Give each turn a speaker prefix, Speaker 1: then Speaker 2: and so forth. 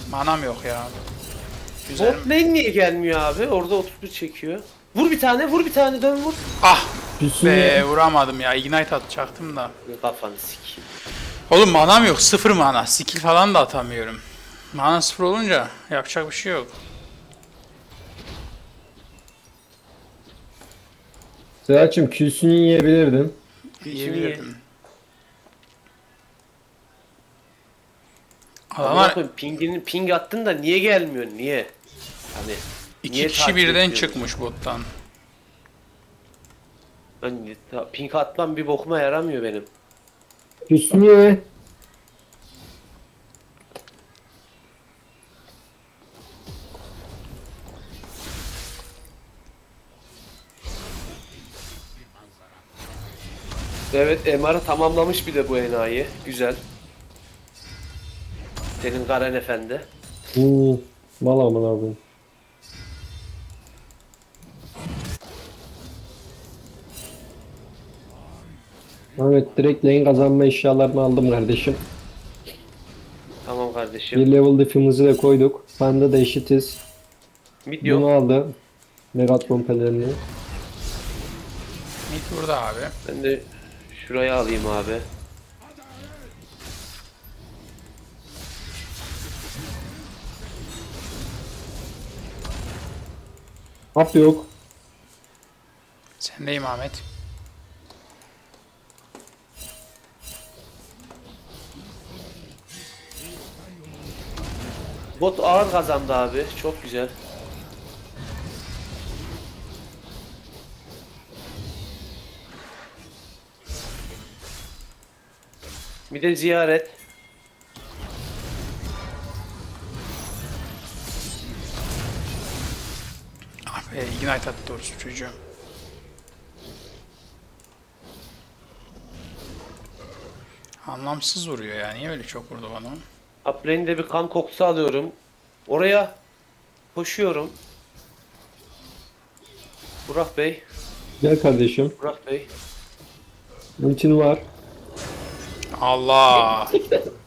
Speaker 1: Manam yok ya. Güzel.
Speaker 2: Bot lane niye gelmiyor abi? Orada 31 çekiyor. Vur bir tane, vur bir tane, dön vur.
Speaker 1: Ah
Speaker 3: Hüsnü
Speaker 1: be, vuramadım ya. Ignite atacaktım da.
Speaker 2: Kafanı sikeyim.
Speaker 1: Oğlum manam yok. Sıfır mana. Skill falan da atamıyorum. Mana sıfır olunca yapacak bir şey yok.
Speaker 3: Serhat'cığım Q'sunu yiyebilirdin.
Speaker 1: Yiyebilirdim.
Speaker 2: Amına
Speaker 1: Adamlar
Speaker 2: koyayım, ping attın da niye gelmiyor? Niye? Hani
Speaker 1: iki
Speaker 2: niye
Speaker 1: kişi
Speaker 2: takip
Speaker 1: birden
Speaker 2: ediyorsun?
Speaker 1: çıkmış bottan.
Speaker 2: Ben ping atmam bir bokuma yaramıyor benim.
Speaker 3: Hüsnü ye.
Speaker 2: Evet, MR'ı tamamlamış bir de bu enayi. Güzel. Senin Garen Efendi.
Speaker 3: Mal amına koyayım. Evet, direkt lane kazanma eşyalarını aldım kardeşim.
Speaker 2: Tamam kardeşim.
Speaker 3: Bir level diff'imizi de koyduk. Bende de eşitiz.
Speaker 2: Mid
Speaker 3: Bunu
Speaker 2: yok.
Speaker 3: aldı. Megatron pelerini.
Speaker 1: Mid burada abi.
Speaker 2: Ben de şuraya alayım abi.
Speaker 3: Hap yok.
Speaker 1: Sendeyim Ahmet.
Speaker 2: Bot ağır kazandı abi. Çok güzel. Bir de ziyaret.
Speaker 1: Ah be, Ignite attı doğrusu çocuğum. Anlamsız vuruyor ya. Niye öyle çok vurdu bana?
Speaker 2: Uplane'de bir kan kokusu alıyorum. Oraya koşuyorum. Burak Bey.
Speaker 3: Gel kardeşim.
Speaker 2: Burak Bey.
Speaker 3: Ultin var.
Speaker 1: Allah!